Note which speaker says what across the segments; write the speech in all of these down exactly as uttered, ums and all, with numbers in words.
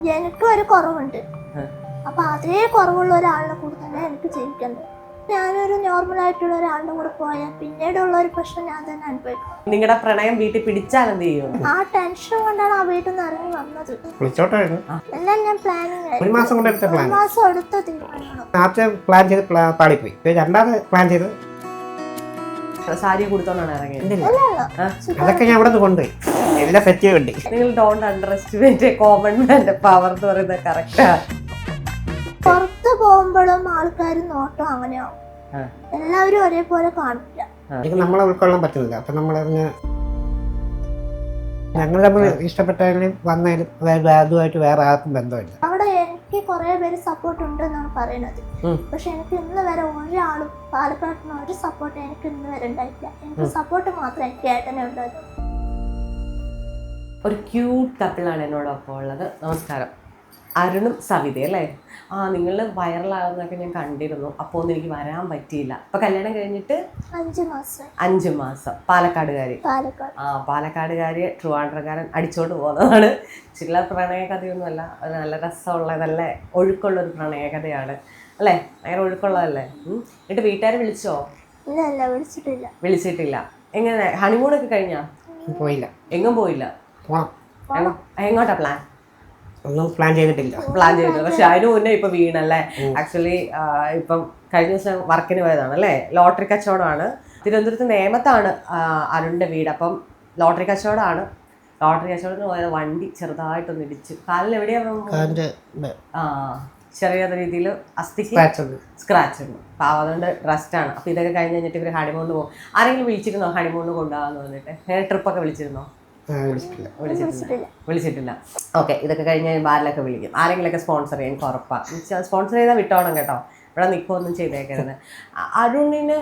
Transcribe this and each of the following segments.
Speaker 1: എനിക്ക് ഒരു കുറവുണ്ട്. അപ്പൊ അതേ കുറവുള്ള ഒരാളുടെ കൂടെ തന്നെ എനിക്ക് ജീവിക്കേണ്ടത്. ഞാനൊരു നോർമൽ ആയിട്ടുള്ള ഒരാളുടെ കൂടെ പോയാൽ പിന്നീടുള്ള ഒരു പ്രശ്നം ഞാൻ തന്നെ അനുഭവിക്കും.
Speaker 2: നിങ്ങളുടെ പ്രണയം വീട്ടിൽ പിടിച്ചാൽ എന്ത് ചെയ്യും?
Speaker 1: ആ ടെൻഷൻ കൊണ്ടാണ് ആ വീട്ടിൽ നിന്ന് ഇറങ്ങി വന്നത്. എല്ലാം ഞാൻ പ്ലാനിങ്
Speaker 3: ഒരു മാസം കൊണ്ട് എടുത്ത പ്ലാൻ
Speaker 1: മാസം എടുത്ത തീരുമാനമാണ്.
Speaker 3: ആദ്യത്തെ പ്ലാൻ ചെയ്ത് പാളിപ്പോയി, രണ്ടാമത് പ്ലാൻ ചെയ്ത്
Speaker 2: സാരി കൊടുത്തോണ്ടാണ് ഇറങ്ങിയത്.
Speaker 3: അതൊക്കെ ഞാൻ ഇവിടെ കൊണ്ടുപോയി എല്ലാം സെറ്റ് ചെയ്യണ്ടി.
Speaker 2: നിങ്ങൾ ഡോണ്ട് അണ്ടർ എസ്റ്റിമേറ്റ് കോമൺ മാന്റെ പവർ എന്ന് പറയുന്നത് കറക്റ്റാ.
Speaker 1: പുറത്ത് പോകുമ്പോഴും ആൾക്കാർ നോട്ടം അങ്ങനെയാവും, എല്ലാവരും ഒരേപോലെ കാണില്ല.
Speaker 3: നമ്മളെ ഉൾക്കൊള്ളാൻ പറ്റുന്നില്ല. അപ്പൊ നമ്മളറിഞ്ഞ ഞങ്ങൾ തമ്മിൽ ഇഷ്ടപ്പെട്ടാലും വന്നാലും അതായത് അതുമായിട്ട് വേറെ ആർക്കും ബന്ധമില്ല.
Speaker 1: അവിടെ എനിക്ക് കുറെ പേര് സപ്പോർട്ട് ഉണ്ട് എന്നാണ് പറയുന്നത്. പക്ഷെ എനിക്ക് ഇന്ന് വരെ ഒരാളും പാലക്കാട്ടിന് ഒരു സപ്പോർട്ട് എനിക്ക് ഇന്ന് വരെ ഉണ്ടായിട്ടില്ല. എനിക്ക് സപ്പോർട്ട് മാത്രമേ എനിക്ക് ഏട്ടനെ ഉണ്ടായിരുന്നു.
Speaker 2: ഒരു ക്യൂട്ട് കപ്പിളാണ് എന്നോടൊപ്പം ഉള്ളത്. നമസ്കാരം. അരുണും സവിത അല്ലേ? ആ, നിങ്ങൾ വൈറലാകുന്നതൊക്കെ ഞാൻ കണ്ടിരുന്നു. അപ്പോൾ ഒന്നും എനിക്ക് വരാൻ പറ്റിയില്ല. അപ്പോൾ കല്യാണം കഴിഞ്ഞിട്ട്
Speaker 1: അഞ്ച് മാസം
Speaker 2: അഞ്ച് മാസം പാലക്കാടുകാരി.
Speaker 1: പാലക്കാട്
Speaker 2: ആ പാലക്കാടുകാരി ട്രിവാൻഡ്രക്കാരൻ അടിച്ചോണ്ട് പോകുന്നതാണ്. ചില പ്രണയകഥയൊന്നുമല്ല, അത് നല്ല രസമുള്ള നല്ല ഒഴുക്കുള്ള ഒരു പ്രണയകഥയാണ് അല്ലേ? ഭയങ്കര ഒഴുക്കുള്ളതല്ലേ? എന്നിട്ട് വീട്ടുകാരെ വിളിച്ചോ?
Speaker 1: ഇല്ല ഇല്ല വിളിച്ചിട്ടില്ല.
Speaker 2: വിളിച്ചിട്ടില്ല. എങ്ങനെ ഹണിമൂണൊക്കെ കഴിഞ്ഞാ?
Speaker 3: പോയില്ല.
Speaker 2: എങ്ങും പോയില്ല. എങ്ങോട്ടാ പ്ലാൻ?
Speaker 3: ഒന്നും പ്ലാൻ ചെയ്തിട്ടില്ല.
Speaker 2: പ്ലാൻ ചെയ്തിട്ടില്ല. പക്ഷെ അതിന് മുന്നേ ഇപ്പൊ വീണല്ലേ? ആക്ച്വലി ഇപ്പം കഴിഞ്ഞ ദിവസം വർക്കിന് പോയതാണ് അല്ലേ? ലോട്ടറി കച്ചവടമാണ്. തിരുവനന്തപുരത്ത് നേമത്താണ് അരുണിന്റെ വീട്. അപ്പം ലോട്ടറി കച്ചവടമാണ്. ലോട്ടറി കച്ചവടത്തിന് പോയത് വണ്ടി ചെറുതായിട്ടൊന്ന് ഇടിച്ചു. കാലിൽ എവിടെയാ? ആ, ചെറിയ രീതിയിൽ അസ്ഥിക്ക് സ്ക്രാച്ച് ഉണ്ട്. അപ്പോൾ അതുകൊണ്ട് റെസ്റ്റാണ്. അപ്പോൾ ഇതൊക്കെ കഴിഞ്ഞ് കഴിഞ്ഞിട്ട് ഇവർ ഹണിമൂണിന് പോകും. ആരെങ്കിലും വിളിച്ചിരുന്നോ ഹണിമൂണിന് കൊണ്ടുപോകാന്ന് പറഞ്ഞിട്ട്? ട്രിപ്പൊക്കെ വിളിച്ചിരുന്നോ? വിളിച്ചിട്ടില്ല. വിളിച്ചിട്ടില്ല. ഓക്കെ. ഇതൊക്കെ കഴിഞ്ഞ് ബാറിലൊക്കെ വിളിക്കും. ആരെങ്കിലുമൊക്കെ സ്പോൺസർ ചെയ്യാൻ എനിക്ക് ഉറപ്പാണ്. സ്പോൺസർ ചെയ്താൽ വിട്ടോണം കേട്ടോ, ഇവിടെ നിൽക്കുമൊന്നും ചെയ്തേക്കരുത്. അരുണിന്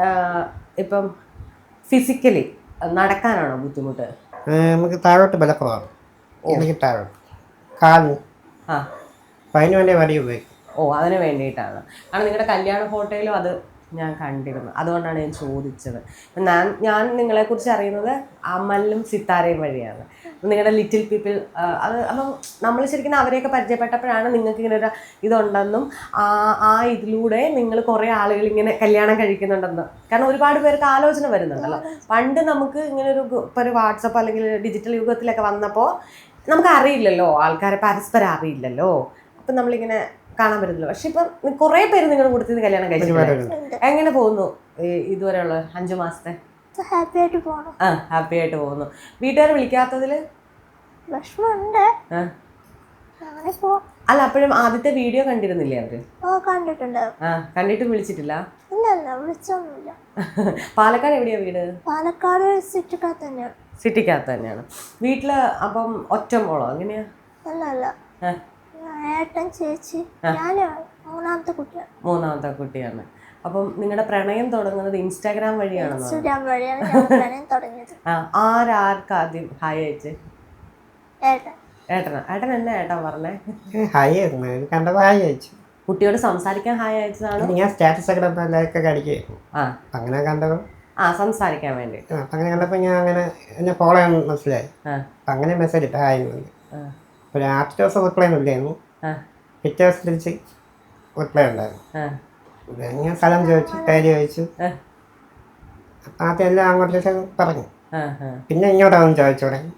Speaker 2: ഇപ്പം ഫിസിക്കലി നടക്കാനാണോ ബുദ്ധിമുട്ട്?
Speaker 3: നമുക്ക് താഴോട്ട് ബലക്കുറവാണ്. എനിക്ക് താഴോട്ട് കാല്
Speaker 2: ആ
Speaker 3: അതിന് വേണ്ടി വടി ഉപയോഗിക്കും.
Speaker 2: ഓ, അതിന് വേണ്ടിയിട്ടാണ്. കാരണം നിങ്ങളുടെ കല്യാണ ഫോട്ടോയിലും അത് ഞാൻ കണ്ടിരുന്നു. അതുകൊണ്ടാണ് ഞാൻ ചോദിച്ചത്. ഞാൻ ഞാൻ നിങ്ങളെക്കുറിച്ച് അറിയുന്നത് അമലും സിത്താരയും വഴിയാണ്. നിങ്ങളുടെ ലിറ്റിൽ പീപ്പിൾ അത് അപ്പം നമ്മൾ ശരിക്കും അവരെയൊക്കെ പരിചയപ്പെട്ടപ്പോഴാണ് നിങ്ങൾക്ക് ഇങ്ങനെ ഒരു ഇതുണ്ടെന്നും ആ ആ ഇതിലൂടെ നിങ്ങൾ കുറേ ആളുകൾ ഇങ്ങനെ കല്യാണം കഴിക്കുന്നുണ്ടെന്ന്. കാരണം ഒരുപാട് പേർക്ക് ആലോചന വരുന്നുണ്ടല്ലോ. പണ്ട് നമുക്ക് ഇങ്ങനെ ഒരു ഇപ്പോൾ ഒരു വാട്സപ്പ് അല്ലെങ്കിൽ ഡിജിറ്റൽ യുഗത്തിലൊക്കെ വന്നപ്പോൾ നമുക്ക് അറിയില്ലല്ലോ, ആൾക്കാരെ പരസ്പരം അറിയില്ലല്ലോ. അപ്പം നമ്മളിങ്ങനെ കാണാൻ പറ്റുന്നില്ല. പക്ഷെ ഇപ്പം കുറേ പേര് നിങ്ങളുടെ കൂട്ടത്തിൽ കല്യാണം കഴിച്ചിട്ടുണ്ട്. എങ്ങനെ പോകുന്നു ഇതുവരെയുള്ള അഞ്ചു മാസത്തെ?
Speaker 1: ഹാപ്പി ആയിട്ട് പോകണം.
Speaker 2: ആ, ഹാപ്പി ആയിട്ട് പോകുന്നു. വീട്ടുകാരെ വിളിക്കാത്തതിൽ
Speaker 1: വിഷമമുണ്ട്.
Speaker 2: അല്ല, അപ്പോഴും ആദ്യത്തെ വീഡിയോ കണ്ടിരുന്നില്ലേ അവര്?
Speaker 1: കണ്ടിട്ടുണ്ട്.
Speaker 2: ആ, കണ്ടിട്ടും വിളിച്ചിട്ടില്ല?
Speaker 1: ഇല്ല ഇല്ല വിളിച്ചൊന്നുമില്ല.
Speaker 2: പാലക്കാട് എവിടെയാ വീട്?
Speaker 1: പാലക്കാട് സിറ്റിക്കകത്ത് തന്നെയാണ്.
Speaker 2: സിറ്റിക്കകത്ത് തന്നെയാണ്. വീട്ടില് അപ്പം ഒറ്റ മോളോ എങ്ങനെയാ?
Speaker 1: അല്ല അല്ല, ഏട്ടൻ ചേച്ചി, ഞാൻ മൂന്നാമത്തെ കുട്ടിയാണ്.
Speaker 2: മൂന്നാമത്തെ കുട്ടിയാണ്. അപ്പം നിങ്ങളുടെ പ്രണയം തുടങ്ങുന്നത് ഇൻസ്റ്റാഗ്രാം വഴിയാണോ?
Speaker 1: ഇൻസ്റ്റാഗ്രാം വഴിയാണ് പ്രണയം തുടങ്ങിയത്.
Speaker 2: ആ, ആരാർക്ക് ആദ്യം ഹായ് അയച്ചേ?
Speaker 1: ഏട്ടൻ.
Speaker 2: ഏട്ടനാ? ഏട്ടൻ എന്നാ ഏട്ടൻ പറഞ്ഞേ?
Speaker 3: ഹായ് കണ്ടത് ഹായ് അയച്ചു.
Speaker 2: കുട്ടിയോട് സംസാരിക്കാൻ ഹായ് അയച്ചതാണ്?
Speaker 3: ഞാൻ സ്റ്റാറ്റസ് ഒക്കെ ലൈക്കൊക്കെ അടിക്കുകയായിരുന്നു.
Speaker 2: ആ,
Speaker 3: അങ്ങനെ കണ്ടത്.
Speaker 2: ആ, സംസാരിക്കാൻ വേണ്ടി.
Speaker 3: അങ്ങനെ കണ്ടപ്പോൾ ഞാൻ അങ്ങനെ എന്നെ ഫോളോ ചെയ്യാൻ മനസ്സിലായി. അങ്ങനെ മെസ്സേജ് ഇട്ട് ഹായ് വന്നു. ഒരു ആദ്യത്തെ ദിവസം റിപ്ലൈ ഒന്നും ഇല്ലായിരുന്നു. പിറ്റേ ദിവസം തിരിച്ച് റിപ്ലൈ ഉണ്ടായിരുന്നു. ഞാൻ സ്ഥലം ചോദിച്ചു, പേര് ചോദിച്ചു. ആദ്യം എല്ലാം അങ്ങോട്ടേക്ക് പറഞ്ഞു. പിന്നെ ഇങ്ങോട്ടാണ് ചോദിച്ചു തുടങ്ങി.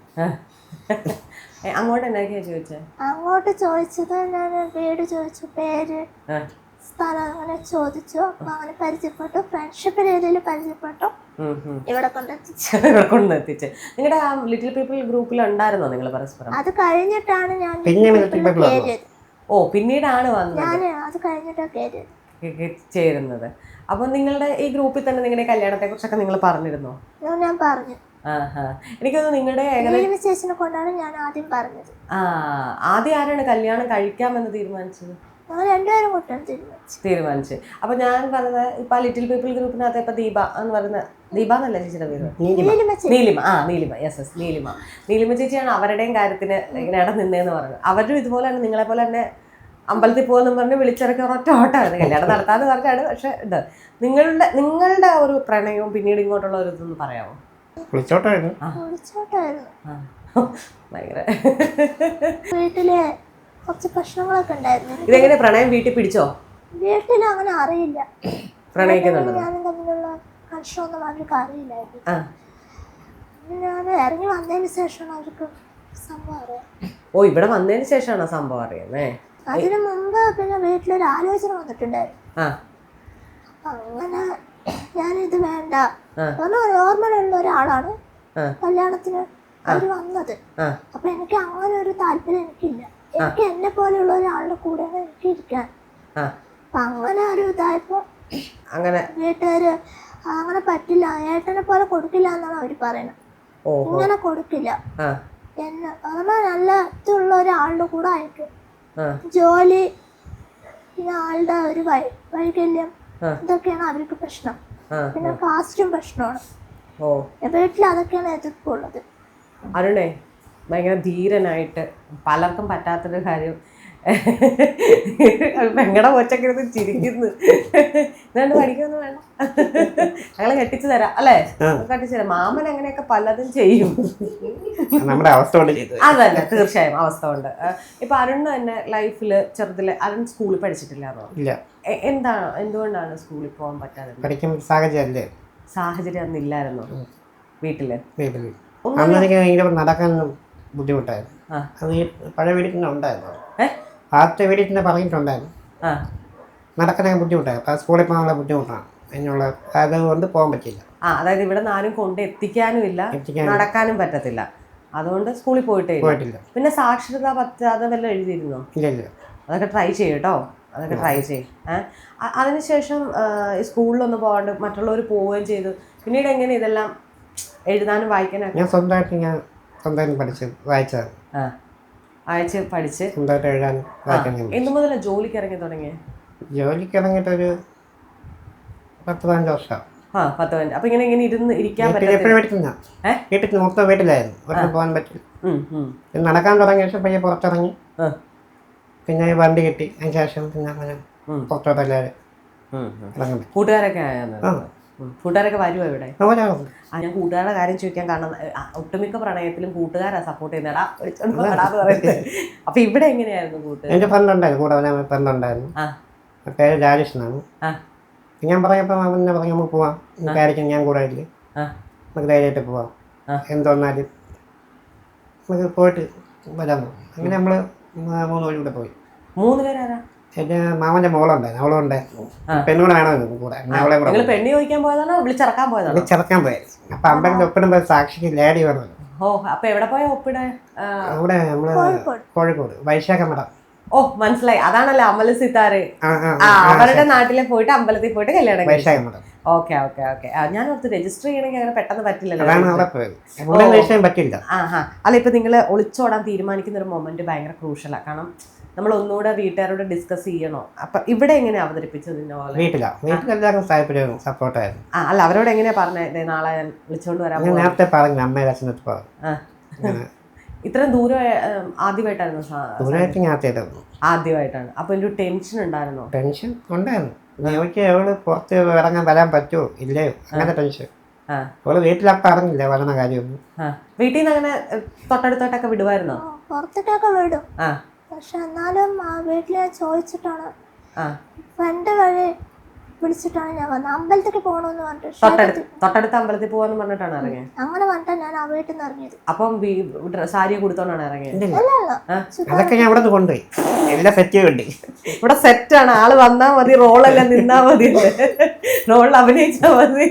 Speaker 2: അങ്ങോട്ട് എന്തൊക്കെയാ ചോദിച്ചേ?
Speaker 1: അങ്ങോട്ട് ചോദിച്ചത് ഞാൻ വീട് ചോദിച്ചു, പേര്, സ്ഥലം അങ്ങനെ ചോദിച്ചു. അപ്പൊ അങ്ങനെ പരിചയപ്പെട്ടു, ഫ്രണ്ട്ഷിപ്പ് രീതിയിൽ പരിചയപ്പെട്ടു, ഇവിടെ കൊണ്ടെത്തിച്ചു.
Speaker 2: ഇവിടെ കൊണ്ടെത്തിച്ച്. നിങ്ങളുടെ ആ ലിറ്റിൽ പീപ്പിൾ ഗ്രൂപ്പിൽ ഉണ്ടായിരുന്നോ നിങ്ങൾ പരസ്പരം?
Speaker 1: അത് കഴിഞ്ഞിട്ടാണ് ഞാൻ
Speaker 3: പിന്നെ
Speaker 2: ഓ, പിന്നീടാണ് വന്നത്.
Speaker 1: ഞാൻ അത് കഴിഞ്ഞിട്ടാണ്
Speaker 2: ചേരുന്നത്. അപ്പൊ നിങ്ങളുടെ ഈ ഗ്രൂപ്പിൽ തന്നെ നിങ്ങളുടെ കല്യാണത്തെ കുറിച്ചൊക്കെ നിങ്ങൾ പറഞ്ഞിരുന്നോ?
Speaker 1: ഞാൻ പറഞ്ഞു.
Speaker 2: എനിക്കൊന്ന് നിങ്ങളുടെ
Speaker 1: ചേച്ചിനെ കൊണ്ടാണ് ഞാൻ ആദ്യം പറഞ്ഞത്.
Speaker 2: ആ, ആദ്യം ആരാണ് കല്യാണം കഴിക്കാമെന്ന് തീരുമാനിച്ചത്?
Speaker 1: രണ്ടുപേരും കൂട്ടാൻ തീരുമാനിച്ചു
Speaker 2: തീരുമാനിച്ചു അപ്പൊ ഞാൻ പറഞ്ഞത് ഇപ്പൊ ലിറ്റിൽ പീപ്പിൾ ഗ്രൂപ്പിനകത്ത് ഇപ്പൊ ദീപ എന്ന് പറയുന്ന, ദീപ എന്നല്ല ചേച്ചിയുടെ പേര്? നീലിമ. ആ, നീലിമ. യെസ് യെസ് നീലിമ. നീലിമ ചേച്ചിയാണ് അവരുടെയും കാര്യത്തിന് ഇങ്ങനെ ഇടം നിന്നേന്ന് പറഞ്ഞത്. അവരും ഇതുപോലെ തന്നെ നിങ്ങളെ പോലെ തന്നെ അമ്പലത്തിൽ പോകുമെന്നും പറഞ്ഞ് വിളിച്ചിറക്കി ഒരൊറ്റ ഓട്ടമായിരുന്നു. കല്യാണം നടത്താന്ന് പറഞ്ഞാണ്. പക്ഷെ ഇത് നിങ്ങളുടെ നിങ്ങളുടെ ഒരു പ്രണയവും പിന്നീട് ഇങ്ങോട്ടുള്ള ഒരു ഇതൊന്ന് പറയാമോ?
Speaker 1: വിളിച്ചോട്ടായിരുന്നു.
Speaker 2: ഭയങ്കര
Speaker 1: വീട്ടിലെ കുറച്ച് പ്രശ്നങ്ങളൊക്കെ ഉണ്ടായിരുന്നു.
Speaker 2: ഇതെങ്ങനെ പ്രണയം വീട്ടിൽ പിടിച്ചോ?
Speaker 1: വീട്ടിൽ അങ്ങനെ അറിയില്ല,
Speaker 2: പ്രണയിക്കുന്നുണ്ടോ?
Speaker 1: ഞാനും തമ്മിലുള്ള കൺഷൊന്നും അവർക്ക് അറിയില്ലായിരുന്നു. ഞാൻ ഇറങ്ങി വന്നതിന് ശേഷമാണ് അവർക്ക് സംഭവം അറിയാം.
Speaker 2: ഓ, ഇവിടെ വന്നതിന് ശേഷമാണോ സംഭവം അറിയുന്നേ?
Speaker 1: അതിനു മുമ്പ് പിന്നെ വീട്ടിലൊരു ആലോചന വന്നിട്ടുണ്ടായിരുന്നു. അങ്ങനെ ഞാനിത് വേണ്ട, നോർമലുള്ള ഒരാളാണ് കല്യാണത്തിന് അവര് വന്നത്. അപ്പൊ എനിക്ക് അങ്ങനെ ഒരു താല്പര്യം എനിക്കില്ല. എനിക്ക് എന്നെ പോലെയുള്ള ഒരാളുടെ കൂടെയാണ് എനിക്ക് ഇരിക്കാൻ. അപ്പൊ അങ്ങനെ ഒരു ഇതായപ്പോ
Speaker 2: അങ്ങനെ
Speaker 1: വീട്ടുകാര് അങ്ങനെ പറ്റില്ല, ഏട്ടനെ പോലെ കൊടുക്കില്ല എന്നാണ് അവര് പറയുന്നത്. ഇങ്ങനെ കൊടുക്കില്ല, എന്നെ അഥവാ നല്ല ഇതുള്ള ഒരാളുടെ കൂടെ ആയിരിക്കും. ജോലി, പിന്നെ ആളുടെ ഒരു വൈ വൈകല്യം ഇതൊക്കെയാണ് അവർക്ക് പ്രശ്നം. പിന്നെ കാസ്റ്റും പ്രശ്നമാണ്. വീട്ടിൽ അതൊക്കെയാണ് എതിർപ്പുള്ളത്.
Speaker 2: അരുണേ ഭയങ്കര ധീരനായിട്ട് പലർക്കും പറ്റാത്തൊരു കാര്യം പെങ്ങടെ കൊച്ചൊക്കെ ഇരുന്ന് ചിരിക്കുന്നു. ഇതുകൊണ്ട് പഠിക്കൊന്നും വേണ്ട, ഞങ്ങളെ കെട്ടിച്ചു തരാം അല്ലേ? കെട്ടിച്ചു തരാം. മാമൻ അങ്ങനെയൊക്കെ പലതും ചെയ്യും.
Speaker 3: നമ്മുടെ അവസ്ഥ കൊണ്ട്
Speaker 2: അതല്ല, തീർച്ചയായും അവസ്ഥ കൊണ്ട്. ഇപ്പൊ അരുണ് തന്നെ ലൈഫില് ചെറുതില് അരുൺ സ്കൂളിൽ പഠിച്ചിട്ടില്ലാന്നോ?
Speaker 3: ഇല്ല.
Speaker 2: എന്താണ്, എന്തുകൊണ്ടാണ് സ്കൂളിൽ പോകാൻ പറ്റാതെ?
Speaker 3: പഠിക്കാൻ സാഹചര്യം
Speaker 2: സാഹചര്യം അന്ന് ഇല്ലായിരുന്നോ വീട്ടില്?
Speaker 3: വീട്ടില് അന്ന് എനിക്ക് ഭയങ്കര നടക്കാൻ ബുദ്ധിമുട്ടായിരുന്നു. അത് ഈ പഴയ വീട്ടിൽ തന്നെ ഉണ്ടായിരുന്നു. ആദ്യത്തെ വീട്ടിൽ തന്നെ പറഞ്ഞിട്ടുണ്ടായിരുന്നു നടക്കാനൊക്കെ ബുദ്ധിമുട്ടായിരുന്നു. അപ്പം സ്കൂളിൽ പോകാനുള്ള ബുദ്ധിമുട്ടാണ്, അതിനുള്ള അതുകൊണ്ട് പോകാൻ പറ്റില്ല.
Speaker 2: ആ, അതായത് ഇവിടെ നാലും കൊണ്ട് എത്തിക്കാനും ഇല്ല, നടക്കാനും പറ്റത്തില്ല, അതുകൊണ്ട് സ്കൂളിൽ പോയിട്ടേ
Speaker 3: പോയിട്ടില്ല.
Speaker 2: പിന്നെ സാക്ഷരതാ പറ്റാതെ വല്ല എഴുതിയിരുന്നോ?
Speaker 3: ഇല്ല ഇല്ല.
Speaker 2: അതൊക്കെ ട്രൈ ചെയ്യും കേട്ടോ, അതൊക്കെ ട്രൈ ചെയ്യും. ഏഹ് അതിനുശേഷം സ്കൂളിലൊന്നും പോകാണ്ട് മറ്റുള്ളവർ പോവുകയും ചെയ്തു. പിന്നീട് എങ്ങനെ ഇതെല്ലാം എഴുതാനും വായിക്കാനൊക്കെ?
Speaker 3: ഞാൻ സ്വന്തമായിട്ട് ഞാൻ സ്വന്തമായിട്ട് പഠിച്ച് വായിച്ചത്.
Speaker 2: ആ, വായിച്ച് പഠിച്ച്
Speaker 3: സ്വന്തമായിട്ട് എഴുതാനും വായിക്കാനും.
Speaker 2: എന്ത് മുതലാണ് ജോലിക്ക് ഇറങ്ങി തുടങ്ങിയത്?
Speaker 3: ജോലിക്ക് ഇറങ്ങിയിട്ടൊരു പത്ത് പതിനഞ്ച് വർഷം.
Speaker 2: ആ, പത്ത് പതിനഞ്ച്. അപ്പൊ ഇങ്ങനെ ഇങ്ങനെ ഇരുന്ന് ഇരിക്കാൻ
Speaker 3: എപ്പോഴും വീട്ടിൽ വീട്ടിൽ മൊത്തം വീട്ടിലായിരുന്നു, ഒട്ടും പോകാൻ പറ്റില്ല. നടക്കാൻ തുടങ്ങിയ ശേഷം പയ്യെ പുറത്തിറങ്ങി, പിന്നെ വണ്ടി കിട്ടി. അതിന് ശേഷം പിന്നെ അങ്ങനെ പുറത്തോട്ട് എല്ലാവരും
Speaker 2: കൂട്ടുകാരൊക്കെ ആയാൽ കൂട്ടുകാരൊക്കെ വരുമോ ഇവിടെ? ആ, ഞാൻ കൂട്ടുകാരുടെ കാര്യം ചോദിക്കാൻ കാരണം ഒട്ടുമിക്ക പ്രണയത്തിലും കൂട്ടുകാരാ സപ്പോർട്ട് ചെയ്യുന്നടാ വിളിച്ചോണ്ടാന്ന് പറയുന്നത്. അപ്പൊ ഇവിടെ എങ്ങനെയായിരുന്നു കൂട്ടുകാർ?
Speaker 3: എൻ്റെ ഫ്രണ്ട് ഉണ്ടായിരുന്നു, കൂടെ ഫ്രണ്ട് ഉണ്ടായിരുന്നു. പേര് രാജേഷ് എന്നാണ്. ഞാൻ പറഞ്ഞപ്പോൾ അവനെ പറഞ്ഞു നമുക്ക് പോവാം, കാര്യത്തിന് ഞാൻ കൂടെ ഇല്ലേ, നമുക്ക് ധൈര്യമായിട്ട് പോവാം, എന്തോന്നാലും നമുക്ക് പോയിട്ട് വരാമോ. അങ്ങനെ നമ്മൾ മൂന്ന് വഴി കൂടെ പോയി.
Speaker 2: മൂന്ന് പേരാരാ?
Speaker 3: എൻ്റെ മാമൻ്റെ മോളുണ്ടായിരുന്നു, അവളും ഉണ്ടായിരുന്നു. പെണ്ണുകൂടെ വേണമെന്ന് കൂടെ. അവളെ കൂടെ
Speaker 2: പെണ്ണി ചോദിക്കാൻ പോയതാണോ വിളിച്ചിറക്കാൻ പോയതാണോ?
Speaker 3: വിളിച്ചിറക്കാൻ പോയത്. അപ്പൊ അമ്പലത്തിൽ ഒപ്പിടുമ്പോൾ സാക്ഷിക്ക് ലേഡി വേണമല്ലോ.
Speaker 2: ഓ, അപ്പൊ എവിടെ പോയ ഒപ്പിടെ?
Speaker 3: അവിടെ നമ്മള് കോഴിക്കോട് വൈശാഖ മഠം.
Speaker 2: ഓ, മനസ്സിലായി, അതാണല്ലോ അമല സിത്താറ്. അവരുടെ നാട്ടിലെ പോയിട്ട് അമ്പലത്തിൽ പോയിട്ട് കല്യാണം.
Speaker 3: വൈശാഖ മഠം.
Speaker 2: Okay okay okay. ഞാൻ ഓർത്ത് രജിസ്റ്റർ ചെയ്യണമെങ്കിൽ അങ്ങനെ പെട്ടെന്ന് പറ്റില്ലല്ലോ.
Speaker 3: പറ്റില്ല.
Speaker 2: ആ ഹാ അല്ല, ഇപ്പൊ നിങ്ങള് ഒളിച്ചോടാൻ തീരുമാനിക്കുന്ന ഒരു മൊമെന്റ് ഭയങ്കര ക്രൂഷ്യലാണ്. കാരണം നമ്മൾ ഒന്നുകൂടെ വീട്ടുകാരോട് ഡിസ്കസ് ചെയ്യണോ? അപ്പൊ ഇവിടെ എങ്ങനെയാ അവതരിപ്പിച്ചത്?
Speaker 3: സപ്പോർട്ടായിരുന്നു.
Speaker 2: ആ, അല്ല, അവരോട് എങ്ങനെയാ പറഞ്ഞത് നാളെ വിളിച്ചോണ്ട് വരാൻ?
Speaker 3: നേരത്തെ പറഞ്ഞു, അമ്മ അച്ഛനടുത്ത് പറഞ്ഞു.
Speaker 2: ഇത്രയും ദൂരം ആദ്യമായിട്ടായിരുന്നു? ആദ്യമായിട്ടാണ്. അപ്പൊ ഒരു ടെൻഷൻ ഉണ്ടായിരുന്നോ?
Speaker 3: ടെൻഷൻ ഉണ്ടായിരുന്നു. എനിക്ക് അവള് പുറത്ത് ഇറങ്ങാൻ വരാൻ പറ്റുമോ ഇല്ലയോ, അങ്ങനെ ടെൻഷൻ. അവള് വീട്ടിലപ്പം അറിഞ്ഞില്ല വരണ കാര്യമൊന്നും.
Speaker 2: വീട്ടിൽ നിന്ന് അങ്ങനെ തൊട്ടടുത്തോട്ടൊക്കെ വിടുവായിരുന്നോ?
Speaker 1: പുറത്തോട്ടൊക്കെ വിടും, പക്ഷെ എന്നാലും വീട്ടിൽ ചോദിച്ചിട്ടാണ്, ഫ്രണ്ട് വഴി വിളിച്ചിട്ടാണ് ഞാൻ വന്നത്. അമ്പലത്തേക്ക് പോകണമെന്ന് പറഞ്ഞിട്ട്
Speaker 2: തൊട്ടടുത്ത അമ്പലത്തിൽ പോവാന്ന് പറഞ്ഞിട്ടാണ് ഇറങ്ങിയത്.
Speaker 1: അങ്ങനെ പറഞ്ഞിട്ടാ ഞാൻ ആ വീട്ടിൽ നിന്ന് ഇറങ്ങിയത്.
Speaker 2: അപ്പം സാരി കൊടുത്തോണ്ടാണ് ഇറങ്ങിയത്?
Speaker 3: അതൊക്കെ ഞാൻ ഇവിടെ കൊണ്ടുപോയി എല്ലാം സെറ്റ് ചെയ്യണ്ടേ.
Speaker 2: ഇവിടെ സെറ്റാണ്, ആള് വന്നാ മതി, റോളെല്ലാം നിന്നാ മതി, റോളിൽ അഭിനയിച്ചാ മതി.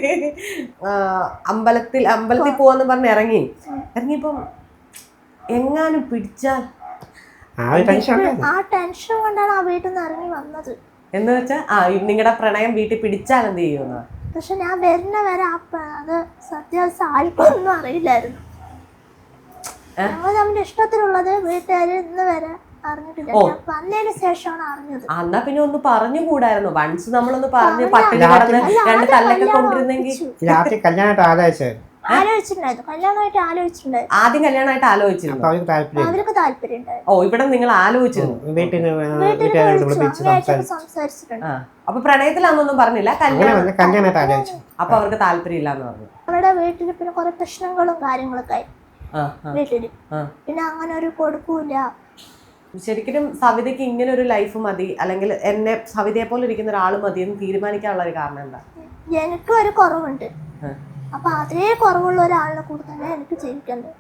Speaker 2: അമ്പലത്തിൽ അമ്പലത്തിൽ പോവാന്ന് പറഞ്ഞ് ഇറങ്ങി. ഇറങ്ങിയപ്പം എങ്ങാനും പിടിച്ചാൽ
Speaker 3: ആ ടെൻഷൻ
Speaker 1: കൊണ്ടാണ് ആ വീട്ടിൽ നിന്ന് ഇറങ്ങി വന്നത്.
Speaker 2: എന്ന് വെച്ചാ ആ നിങ്ങളുടെ പ്രണയം വീട്ടിൽ പിടിച്ചാൽ എന്ത് ചെയ്യുന്ന?
Speaker 1: പക്ഷെ ഞാൻ വരുന്ന വരെ അത് സത്യാവസ്ഥ ആർക്കൊന്നും അറിയില്ലായിരുന്നു. ഞങ്ങൾ നമ്മുടെ ഇഷ്ടത്തിലുള്ളത് വീട്ടുകാർ ഇന്ന് വരെ അറിഞ്ഞിട്ടില്ല. വന്നതിന് ശേഷമാണ് അറിഞ്ഞത്.
Speaker 2: എന്നാ പിന്നെ ഒന്ന് പറഞ്ഞുകൂടായിരുന്നു? വൺസ് നമ്മളൊന്ന് പറഞ്ഞ് പട്ടിണി കിടന്ന് രണ്ട് തല്ലൊക്കെ കൊണ്ടിരുന്നെങ്കിൽ.
Speaker 1: ആലോചിച്ചിട്ടുണ്ടായിരുന്നു, കല്യാണമായിട്ട് ആലോചിച്ചിട്ടുണ്ടായിരുന്നു.
Speaker 2: ആദ്യം കല്യാണമായിട്ട് ആലോചിച്ചിരുന്നു,
Speaker 1: അവർക്ക് താല്പര്യം ഉണ്ടായിരുന്നു.
Speaker 2: ഓ, ഇവിടെ നിങ്ങൾ ആലോചിച്ചിരുന്നു,
Speaker 1: സംസാരിച്ചിട്ടുണ്ട്.
Speaker 2: അപ്പൊ പ്രണയത്തിലാണെന്നൊന്നും പറഞ്ഞില്ല, കല്യാണമായിട്ട്. അപ്പൊ അവർക്ക് താല്പര്യം ഇല്ലാന്ന് പറഞ്ഞു.
Speaker 1: അവരുടെ വീട്ടിൽ പിന്നെ കുറെ പ്രശ്നങ്ങളും കാര്യങ്ങളൊക്കെ ആയി വീട്ടില്. പിന്നെ അങ്ങനെ ഒരു കൊടുക്കൂല,
Speaker 2: ശരിക്കും സവിതയ്ക്ക് ഇങ്ങനെ ഒരു ലൈഫ് മതി, അല്ലെങ്കിൽ എന്നെ സവിതയെ പോലെ ഇരിക്കുന്ന ഒരാൾ മതി എന്ന് തീരുമാനിക്കാനുള്ള ഒരു കാരണം എന്താ?
Speaker 1: എനിക്കും ഒരു കുറവുണ്ട്, അപ്പൊ അതേ കുറവുള്ള ഒരാളിനെ കൂടെ തന്നെ എനിക്ക് ജീവിക്കേണ്ടത്.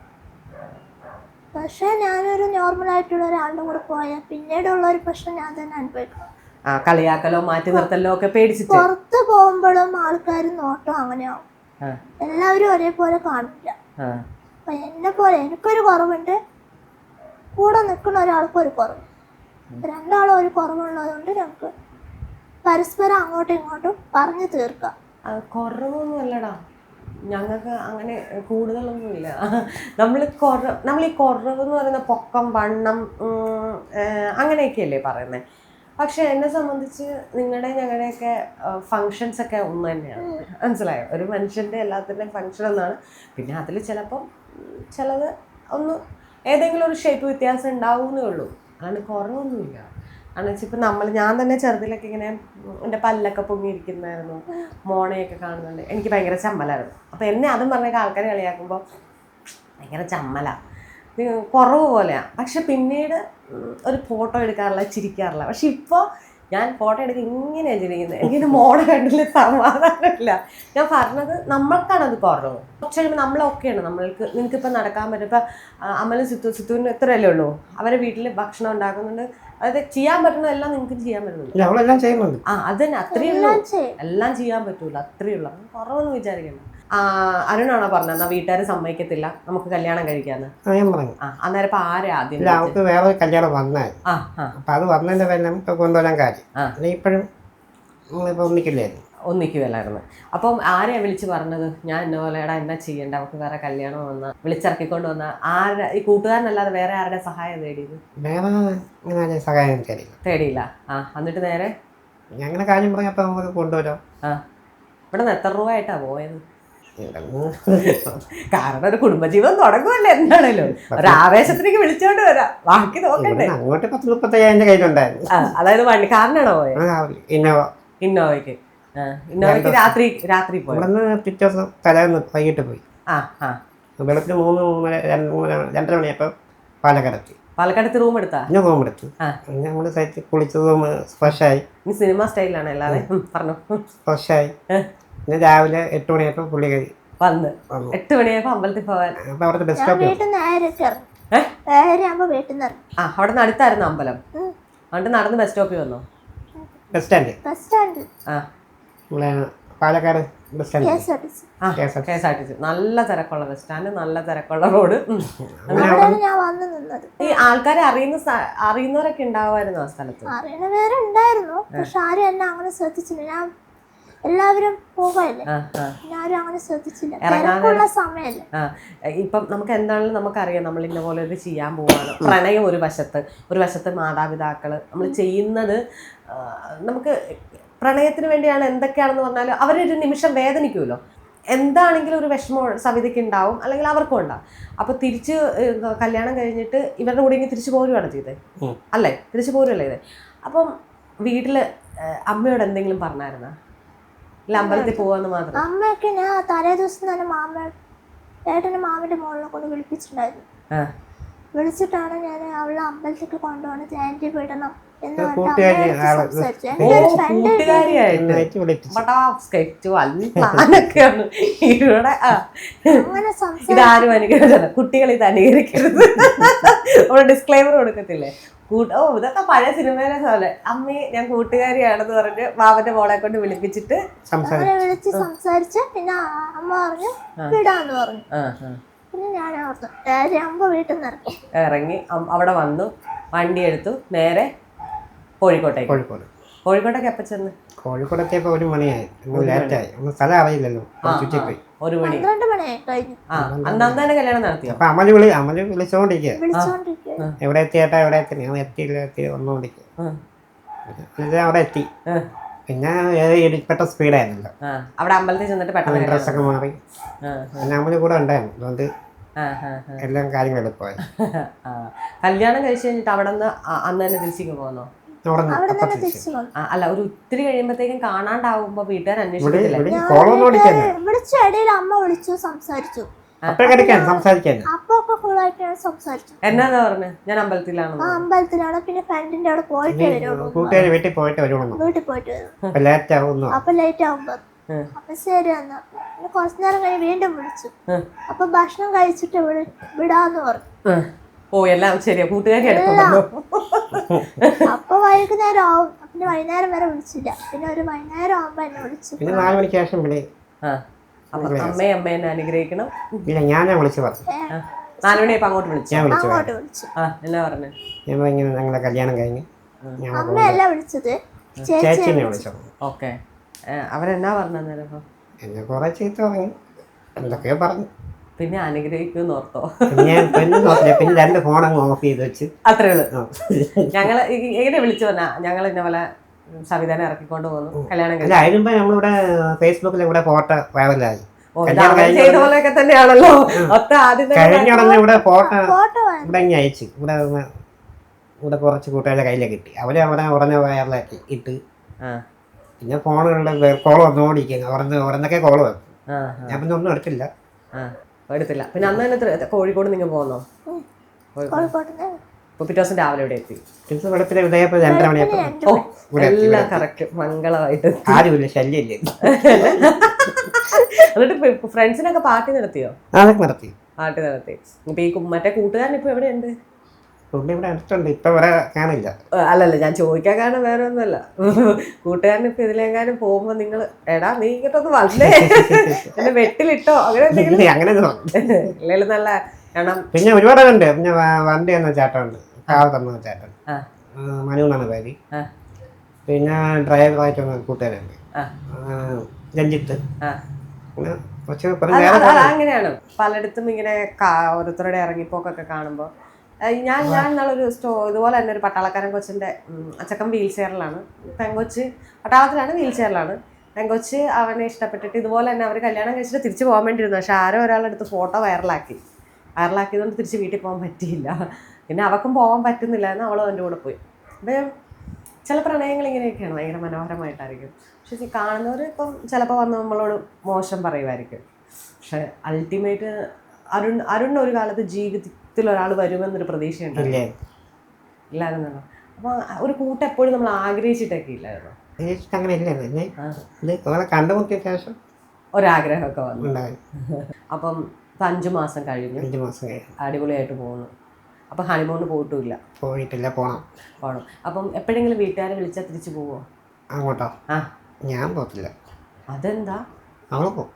Speaker 1: പക്ഷെ ഞാനൊരു നോർമൽ ആയിട്ടുള്ള ഒരാളുടെ കൂടെ പോയാൽ പിന്നീടുള്ള ഒരു പ്രശ്നം ഞാൻ തന്നെ അനുഭവിക്കണം.
Speaker 2: കളിയാക്കലോ മാറ്റി നിർത്തലോ ഒക്കെ പേടിച്ചിട്ട്
Speaker 1: പുറത്ത് പോകുമ്പോഴും ആൾക്കാർ നോട്ടം അങ്ങനെയാവും, എല്ലാവരും ഒരേപോലെ കാണില്ല. അപ്പൊ എന്നെ പോലെ എനിക്കൊരു കുറവുണ്ട്, കൂടെ നിൽക്കുന്ന ഒരാൾക്കും ഒരു കുറവ്, രണ്ടാളും ഒരു കുറവുള്ളതുകൊണ്ട് ഞങ്ങൾക്ക് പരസ്പരം അങ്ങോട്ടും ഇങ്ങോട്ടും പറഞ്ഞു തീർക്കാം.
Speaker 2: കുറവൊന്നും അല്ലടാ, ഞങ്ങൾക്ക് അങ്ങനെ കൂടുതലൊന്നുമില്ല. നമ്മൾ കുറ നമ്മൾ ഈ കുറവ് എന്ന് പറയുന്ന പൊക്കം, വണ്ണം, അങ്ങനെയൊക്കെയല്ലേ പറയുന്നത്. പക്ഷെ എന്നെ സംബന്ധിച്ച് നിങ്ങളുടെ ഞങ്ങളുടെയൊക്കെ ഫങ്ഷൻസ് ഒക്കെ ഒന്ന് തന്നെയാണ്. മനസ്സിലായോ? ഒരു മനുഷ്യൻ്റെ എല്ലാത്തിൻ്റെയും ഫങ്ഷൻ ഒന്നാണ്. പിന്നെ അതിൽ ചിലപ്പം ചിലത് ഒന്ന് ഏതെങ്കിലും ഒരു ഷേപ്പ് വ്യത്യാസം ഉണ്ടാവുന്നേ ഉള്ളൂ, അല്ലാണ്ട് കുറവൊന്നുമില്ല. കാരണം വെച്ചാൽ ഇപ്പം നമ്മൾ ഞാൻ തന്നെ ചെറുതിലൊക്കെ ഇങ്ങനെ എൻ്റെ പല്ലൊക്കെ പൊങ്ങിയിരിക്കുന്നതായിരുന്നു, മോണയൊക്കെ കാണുന്നുണ്ട്, എനിക്ക് ഭയങ്കര ചമ്മലായിരുന്നു. അപ്പോൾ എന്നെ അതും പറഞ്ഞൊക്കെ ആൾക്കാർ കളിയാക്കുമ്പോൾ ഭയങ്കര ചമ്മലാണ്, കുറവ് പോലെയാണ്. പക്ഷെ പിന്നീട് ഒരു ഫോട്ടോ എടുക്കാറില്ല, ചിരിക്കാറില്ല. പക്ഷെ ഇപ്പോൾ ഞാൻ ഫോട്ടോ എടുക്കുക ഇങ്ങനെയാണ് ചിരിക്കുന്നത്. എനിക്കിത് മോഡൽ കണ്ടില്ല, സമാധാനമില്ല. ഞാൻ പറഞ്ഞത് നമ്മൾക്കാണത് കുറവ്. കുറച്ച് കഴിയുമ്പോൾ നമ്മളൊക്കെയാണ്, നമ്മൾക്ക് നിനക്കിപ്പോൾ നടക്കാൻ പറ്റും. ഇപ്പം അമലും സിത്തു സിത്തുവിന് എത്രയല്ലേ ഉള്ളൂ, അവരെ വീട്ടിൽ ഭക്ഷണം ഉണ്ടാക്കുന്നുണ്ട്, അതായത് ചെയ്യാൻ പറ്റുന്നതെല്ലാം നിങ്ങൾക്ക് ചെയ്യാൻ പറ്റുന്നുണ്ട്. ആ അത് തന്നെ, അത്രയേ ഉള്ളൂ. എല്ലാം ചെയ്യാൻ പറ്റൂല, അത്രയേ ഉള്ളൂ. കുറവൊന്നും വിചാരിക്കണം. അരുണാണോ പറഞ്ഞത് എന്നാ വീട്ടുകാർ സമ്മതിക്കത്തില്ല നമുക്ക് കല്യാണം കഴിക്കാന്ന്?
Speaker 3: ആ
Speaker 2: അന്നേരം ഇപ്പൊ ആരെ ആദ്യം
Speaker 3: അവർക്ക് വേറെ കല്യാണം വന്നാൽ അപ്പൊ അത് വന്നതിന്റെ പേരിൽ നമുക്ക് കൊണ്ടുവരാൻ കാര്യം ഇപ്പോഴും ഒന്നിക്കില്ലായിരുന്നു
Speaker 2: ഒന്നിക്കുമല്ലായിരുന്നു. അപ്പം ആരെയാ വിളിച്ച് പറഞ്ഞത് ഞാൻ എന്നെ പോലെ എടാ എന്നാ ചെയ്യണ്ട, അവർക്ക് വേറെ കല്യാണം വന്ന വിളിച്ചിറക്കിക്കൊണ്ട് വന്ന ആരുടെ ഈ കൂട്ടുകാരനല്ലാതെ വേറെ ആരുടെ സഹായം തേടിയത്?
Speaker 3: വേറെ സഹായം
Speaker 2: തേടിയില്ല. ആ എന്നിട്ട് നേരെ
Speaker 3: ഞങ്ങളുടെ കാര്യം പറഞ്ഞപ്പോ നമുക്ക് കൊണ്ടുവരാം.
Speaker 2: ആ ഇവിടെ നിന്ന് എത്ര രൂപ ആയിട്ടാ പോയത്? കാരണം ഒരു കുടുംബജീവിതം തുടങ്ങുമല്ലേ, എന്താണല്ലോ ഒരു ആവേശത്തിലേക്ക് വിളിച്ചോണ്ട് വരാം, ബാക്കി നോക്കണ്ടേ.
Speaker 3: അങ്ങോട്ട് പത്ത് മുപ്പത്തയ്യായിരം കയ്യിലുണ്ടായിരുന്നു.
Speaker 2: അതായത് വണ്ടി കാറിനാണോ പോയത്?
Speaker 3: ഇന്നോവ.
Speaker 2: ഇന്നോവയ്ക്ക് ഇന്നോവയ്ക്ക് രാത്രി രാത്രി പോയി.
Speaker 3: പിറ്റേ ദിവസം തലേന്ന് വൈകിട്ട് പോയി.
Speaker 2: ആ ആ
Speaker 3: വെളുപ്പിന് മൂന്ന് മൂന്നര രണ്ടര മണിയപ്പോ പാലക്കാടെത്തി.
Speaker 2: പാലക്കാടത്ത് റൂം എടുത്താ?
Speaker 3: പിന്നെ റൂം എടുത്തു. നമ്മള് സൈറ്റ് കുളിച്ച് റൂം ഫ്രഷായി.
Speaker 2: സിനിമ സ്റ്റൈലാണ് എല്ലാവരും പറഞ്ഞു.
Speaker 3: ഫ്രഷായി പിന്നെ രാവിലെ എട്ട് മണിയായപ്പോ പുള്ളി കയറി
Speaker 2: വന്ന് എട്ട് മണിയായപ്പോ അമ്പലത്തിൽ പോവാൻ.
Speaker 3: അപ്പൊ അവിടുത്തെ ബസ് സ്റ്റോപ്പ്
Speaker 2: ആ അവിടെ നിന്ന് അടുത്തായിരുന്നു അമ്പലം. എന്നിട്ട് നടന്ന് ബസ് സ്റ്റോപ്പിൽ വന്നോ?
Speaker 3: ബസ് സ്റ്റാൻഡ്
Speaker 1: ബസ് സ്റ്റാൻഡ്
Speaker 3: ആ Palakkad bus stand
Speaker 2: K S R T C. നല്ല തിരക്കുള്ള ബസ് സ്റ്റാൻഡ്, നല്ല തിരക്കുള്ള റോഡ്. ഈ ആൾക്കാരെ അറിയുന്ന അറിയുന്നവരൊക്കെ ഉണ്ടാവുമായിരുന്നു ആ സ്ഥലത്ത്?
Speaker 1: അറിയണവരുണ്ടായിരുന്നു, പക്ഷെ ആരും എന്നെ അങ്ങനെ ശ്രദ്ധിച്ചില്ല. ഞാൻ എല്ലാവരും പോകല്ലേ, ഞാനും അങ്ങനെ ശ്രദ്ധിച്ചില്ല. തിരക്കുള്ള സമയമല്ലേ.
Speaker 2: ഇപ്പം നമുക്ക് എന്താണെങ്കിലും നമുക്കറിയാം നമ്മൾ ഇന്ന പോലെ ഇത് ചെയ്യാൻ പോവാണ്. പ്രണയം ഒരു വശത്ത്, ഒരു വശത്ത് മാതാപിതാക്കള് നമ്മൾ ചെയ്യുന്നത്. നമുക്ക് പ്രണയത്തിന് വേണ്ടിയാണ് എന്തൊക്കെയാണെന്ന് പറഞ്ഞാൽ അവരൊരു നിമിഷം വേദനിക്കുമല്ലോ. എന്താണെങ്കിലും ഒരു വിഷമം സവിതയ്ക്ക് ഉണ്ടാവും, അല്ലെങ്കിൽ അവർക്കും ഉണ്ടാവും. അപ്പോൾ തിരിച്ച് കല്യാണം കഴിഞ്ഞിട്ട് ഇവരുടെ കൂടെ ഇങ്ങനെ തിരിച്ചു പോരുവാണ് ചെയ്തത് അല്ലേ? തിരിച്ചു പോരുവല്ലേ ഇത്? അപ്പം വീട്ടിൽ അമ്മയോട് എന്തെങ്കിലും പറഞ്ഞായിരുന്നോ? ഇല്ല അമ്പലത്തിൽ പോവാന്ന് മാത്രം?
Speaker 1: അമ്മയൊക്കെ ഞാൻ തലേ ദിവസം തന്നെ മാമ ഏട്ടൻ്റെ മാമൻ്റെ മോളിനെ കൊണ്ട് വിളിപ്പിച്ചിട്ടുണ്ടായിരുന്നു. വിളിച്ചിട്ടാണ് ഞാൻ അവളെ അമ്പലത്തേക്ക് കൊണ്ടുപോകണം, ജയന്തി വിടണം എന്ന്
Speaker 2: ഇതാരും അനുകരിച്ചല്ല, കുട്ടികൾ ഇത് അനുകരിക്കരുത്. ഡിസ്ക്ലൈമർ കൊടുക്കത്തില്ലേ? ഓ ഇതൊക്കെ പഴയ സിനിമയിലെ പോലെ അമ്മയെ ഞാൻ കൂട്ടുകാരിയാണെന്ന് പറഞ്ഞ് മാമന്റെ മോളെ കൊണ്ട് വിളിപ്പിച്ചിട്ട്
Speaker 1: വിളിച്ച് സംസാരിച്ച് പിന്നെ അമ്മ പറഞ്ഞു വിടാന്ന് പറഞ്ഞു. പിന്നെ ഞാൻ അമ്മ വീട്ടിൽ നിന്ന് ഇറങ്ങി
Speaker 2: ഇറങ്ങി അവിടെ വന്നു, വണ്ടി എടുത്തു, നേരെ കോഴിക്കോട്ടേക്ക്.
Speaker 3: കോഴിക്കോട്
Speaker 2: കോഴിക്കോട്ടേക്ക് എപ്പോൾ ചെന്ന്?
Speaker 3: കോഴിക്കോടെത്തിയപ്പോൾ ഒരു മണിയായി, ലേറ്റായി. സ്ഥലം അറിയില്ലല്ലോ, ചുറ്റിപ്പോയി.
Speaker 2: ഒരു മണി
Speaker 1: പന്ത്രണ്ട് മണിയായി കഴിഞ്ഞു.
Speaker 2: അന്ന് തന്നെ കല്യാണം നടത്തിയോ?
Speaker 3: അപ്പൊ അമല് വിളി അമല് വിളിച്ചോണ്ടിരിക്കുക, എവിടെ എത്തിയേട്ടാ എവിടെ എത്തി? ഞാൻ എത്തിയില്ല, എത്തി വന്നോണ്ടിരിക്കുക. അവിടെ എത്തി. പിന്നെ പെട്ട സ്പീഡായിരുന്നല്ലോ.
Speaker 2: അവിടെ അമ്പലത്തിൽ ചെന്നിട്ട് പെട്ടെന്ന്
Speaker 3: ഡ്രസ്സൊക്കെ മാറി. പിന്നെ അമല് കൂടെ ഉണ്ടായിരുന്നു, അതുകൊണ്ട് എല്ലാം കാര്യങ്ങൾ എളുപ്പമായി.
Speaker 2: കല്യാണം കഴിച്ചു കഴിഞ്ഞിട്ട് അവിടെ നിന്ന് അന്ന് തന്നെ തിരിച്ചിക്ക് പോകുന്നോ? അല്ല ഒരു ഒത്തിരി കഴിയുമ്പോഴത്തേക്കും കാണാണ്ടാവുമ്പോ വീട്ടുകാർ അന്വേഷിക്കത്തില്ല?
Speaker 1: വിളിച്ചു, ഇടയിൽ അമ്മ വിളിച്ചു സംസാരിച്ചു.
Speaker 3: അപ്പോഴൊക്കെ എടുക്കാൻ സംസാരിക്കാൻ
Speaker 1: അപ്പൊ ഒക്കെ ഫുള്ളായിട്ടാണ് സംസാരിച്ചത്.
Speaker 2: എന്നാന്നാ പറഞ്ഞ ഞാൻ അമ്പലത്തിലാണ്
Speaker 1: ആ അമ്പലത്തിലാണ്. പിന്നെ ഫ്രണ്ടിന്റെ അവിടെ പോയിട്ട് വരുള്ളൂ,
Speaker 3: കൂട്ടുകാർ വീട്ടിൽ പോയിട്ട് വരുള്ളൂ.
Speaker 1: വീട്ടിൽ പോയിട്ട് വരും.
Speaker 3: അപ്പൊ ലേറ്റ് ആവുന്നു.
Speaker 1: അപ്പൊ ലേറ്റ് ആവുമ്പോ അപ്പൊ ശരി എന്നാ പിന്നെ കുറച്ചു നേരം കഴിഞ്ഞ് വീണ്ടും വിളിച്ചു. അപ്പൊ ഭക്ഷണം കഴിച്ചിട്ട് ഇവിടെ വിടാന്ന് പറഞ്ഞു.
Speaker 2: ഓ എല്ലാം ശരിയാ, കൂട്ടുകാരി അടുത്തുണ്ടല്ലോ.
Speaker 1: അപ്പൊ വൈകുന്നേരം ആവും. പിന്നെ വൈകുന്നേരം വരെ വിളിച്ചില്ല. പിന്നെ ഒരു വൈകുന്നേരം ആവുമ്പോ എന്നെ വിളിച്ചു.
Speaker 3: പിന്നെ നാല് മണിക്ക് ശേഷം വിളി.
Speaker 2: അമ്മയെ അമ്മേനെ അനുഗ്രഹിക്കണം.
Speaker 3: ഇല്ല ഞാനാ വിളിച്ചു പറഞ്ഞു.
Speaker 2: നാലുമണിയപ്പോ അങ്ങോട്ട് വിളിച്ചു.
Speaker 3: ഞാൻ വിളിച്ചു
Speaker 1: അങ്ങോട്ട് വിളിച്ചു.
Speaker 2: ആ എന്നാ പറഞ്ഞു?
Speaker 3: ഞാൻ ഇങ്ങനെ ഞങ്ങളുടെ കല്യാണം കഴിഞ്ഞ്
Speaker 1: അമ്മയല്ല വിളിച്ചത്,
Speaker 3: ചേച്ചിനെ വിളിച്ചു.
Speaker 2: ഓക്കെ, അവരെന്നാ പറഞ്ഞേരം?
Speaker 3: എന്നെ കുറെ ചീത്ത പറഞ്ഞു, എന്തൊക്കെയോ പറഞ്ഞു.
Speaker 2: പിന്നെ അനുഗ്രഹിക്കുമെന്ന് ഓർത്തോ?
Speaker 3: പിന്നെ പിന്നെ നോക്കില്ല. പിന്നെ രണ്ട് ഫോൺ അങ്ങ് ഓഫ് ചെയ്ത് വെച്ച്
Speaker 2: അത്രേ ഉള്ളൂ. ഞങ്ങള് എങ്ങനെ വിളിച്ചു പറഞ്ഞാ ഞങ്ങൾ ഇന്ന പോലെ സവിതാനെ ഇറക്കിക്കൊണ്ട് പോകുന്നു കല്യാണം
Speaker 3: അല്ല അതിനുമ്പോ നമ്മളിവിടെ ഫേസ്ബുക്കിൽ ഇവിടെ ഫോട്ടോ വൈറലായി.
Speaker 2: ചെയ്ത പോലെയൊക്കെ തന്നെയാണല്ലോ.
Speaker 3: കഴിഞ്ഞ ഉടനെ ഇവിടെ ഫോട്ടോ ഇവിടെ ഇങ്ങനെ അയച്ചു. ഇവിടെ ഇവിടെ കുറച്ച് കൂട്ടുകാരുടെ കയ്യിലേക്ക് കിട്ടി. അവര് അവിടെ ഉടനെ വയറിലാക്കി ഇട്ട്. പിന്നെ ഫോണുകളുടെ കോൾ വന്നോടിക്കുന്നു. ഉറന്ന് ഉറന്നൊക്കെ കോള് വന്നു. ഞാൻ പിന്നെ ഒന്നും എടുത്തില്ല
Speaker 2: എടുത്തില്ല. പിന്നെ അന്ന് തന്നെ കോഴിക്കോട് നിങ്ങൾ പോകുന്നോ? പിറ്റേ ദിവസം രാവിലെ ഇവിടെ എത്തി.
Speaker 3: വെളുപ്പിലെ ഉദയപ്പോ രണ്ടര മണിയപ്പോ
Speaker 2: എല്ലാം കറക്റ്റ് മംഗളമായിട്ട്.
Speaker 3: ആരുമില്ല, ശല്യമില്ല.
Speaker 2: എന്നിട്ട് ഫ്രണ്ട്സിനൊക്കെ പാർട്ടി നടത്തിയോ?
Speaker 3: അതൊക്കെ നടത്തി.
Speaker 2: പാർട്ടി നടത്തി. ഇപ്പൊ ഈ മറ്റേ കൂട്ടുകാരൻ ഇപ്പൊ എവിടെയുണ്ട്?
Speaker 3: പുള്ളി ഇവിടെ അടുത്തുണ്ട്. ഇപ്പൊ ഇവിടെ കാണില്ല.
Speaker 2: അല്ലല്ല ഞാൻ ചോദിക്കാൻ കാരണം വേറെ ഒന്നുമല്ല. കൂട്ടുകാരൻ ഇപ്പൊ ഇതിലെങ്ങാനും പോകുമ്പോ നിങ്ങൾ എടാ നീ ഇങ്ങോട്ടൊന്ന് വന്നേ എന്നെ വെട്ടിലിട്ടോ അങ്ങനെ എന്തെങ്കിലും
Speaker 3: അങ്ങനെ
Speaker 2: ഇല്ലെങ്കിലും നല്ല കാരണം.
Speaker 3: പിന്നെ ഒരുപാട് ഉണ്ട്. പിന്നെ വണ്ടി എന്ന ചേട്ടനുണ്ട്, കാവത്തമ്മ ചേട്ടൻ, മനു എന്നാണ് പേര്. പിന്നെ ഡ്രൈവറായിട്ട് വന്ന കൂട്ടുകാരുണ്ട്, രഞ്ജിത്ത്.
Speaker 2: അങ്ങനെയാണ് പലയിടത്തും ഇങ്ങനെ ഓരോരുത്തരുടെ ഇറങ്ങിപ്പോക്കൊക്കെ കാണുമ്പോ. ഞാൻ ഞാൻ ഇന്നാളൊരു സ്റ്റോ ഇതുപോലെ തന്നെ ഒരു പട്ടാളക്കാരൻ കൊച്ചിൻ്റെ അച്ചക്കൻ വീൽ ചെയറിലാണ്. പെങ്കൊച്ച് പട്ടാളത്തിലാണ്, വീൽ ചെയറിലാണ്. പെങ്കൊച്ച് അവനെ ഇഷ്ടപ്പെട്ടിട്ട് ഇതുപോലെ തന്നെ അവർ കല്യാണം കഴിച്ചിട്ട് തിരിച്ചു പോകാൻ വേണ്ടിയിരുന്നു. പക്ഷെ ആരോ ഒരാളെടുത്ത് ഫോട്ടോ വൈറലാക്കി. വൈറലാക്കിയതുകൊണ്ട് തിരിച്ച് വീട്ടിൽ പോകാൻ പറ്റിയില്ല. പിന്നെ അവൾക്കും പോകാൻ പറ്റുന്നില്ല എന്ന് അവളും എൻ്റെ കൂടെ പോയി. അപ്പം ചില പ്രണയങ്ങൾ ഇങ്ങനെയൊക്കെയാണ്, ഭയങ്കര മനോഹരമായിട്ടായിരിക്കും. പക്ഷെ കാണുന്നവർ ഇപ്പം ചിലപ്പോൾ വന്ന് നമ്മളോട് മോശം പറയുമായിരിക്കും. പക്ഷെ അൾട്ടിമേറ്റ് അരുൺ അരുൺ ഒരു കാലത്ത് ജീവിതത്തിൽ ഒരാൾ വരുമെന്നൊരു പ്രതീക്ഷയുണ്ട് ഇല്ലായിരുന്നല്ലോ. അപ്പോൾ ഒരു കൂട്ടം എപ്പോഴും നമ്മൾ ആഗ്രഹിച്ചിട്ടൊക്കെ ഇല്ലായിരുന്നു.
Speaker 3: അങ്ങനെ ഇല്ലായിരുന്നു. കണ്ടുമുട്ടിയ ശേഷം
Speaker 2: ഒരാഗ്രഹമൊക്കെ വന്നു. അപ്പം ഇപ്പം അഞ്ചു മാസം കഴിഞ്ഞു.
Speaker 3: അഞ്ചു മാസം കഴിഞ്ഞു
Speaker 2: അടിപൊളിയായിട്ട് പോകുന്നു. അപ്പം ഹണിമൂണിന് പോയിട്ടുമില്ല?
Speaker 3: പോയിട്ടില്ല, പോകണം.
Speaker 2: പോകണം. അപ്പം എപ്പോഴെങ്കിലും വീട്ടുകാരെ വിളിച്ചാൽ തിരിച്ചു പോവോ?
Speaker 3: അങ്ങോട്ടോ?
Speaker 2: ആ
Speaker 3: ഞാൻ പോകത്തില്ല.
Speaker 2: അതെന്താ?
Speaker 3: അവളെ പോകും.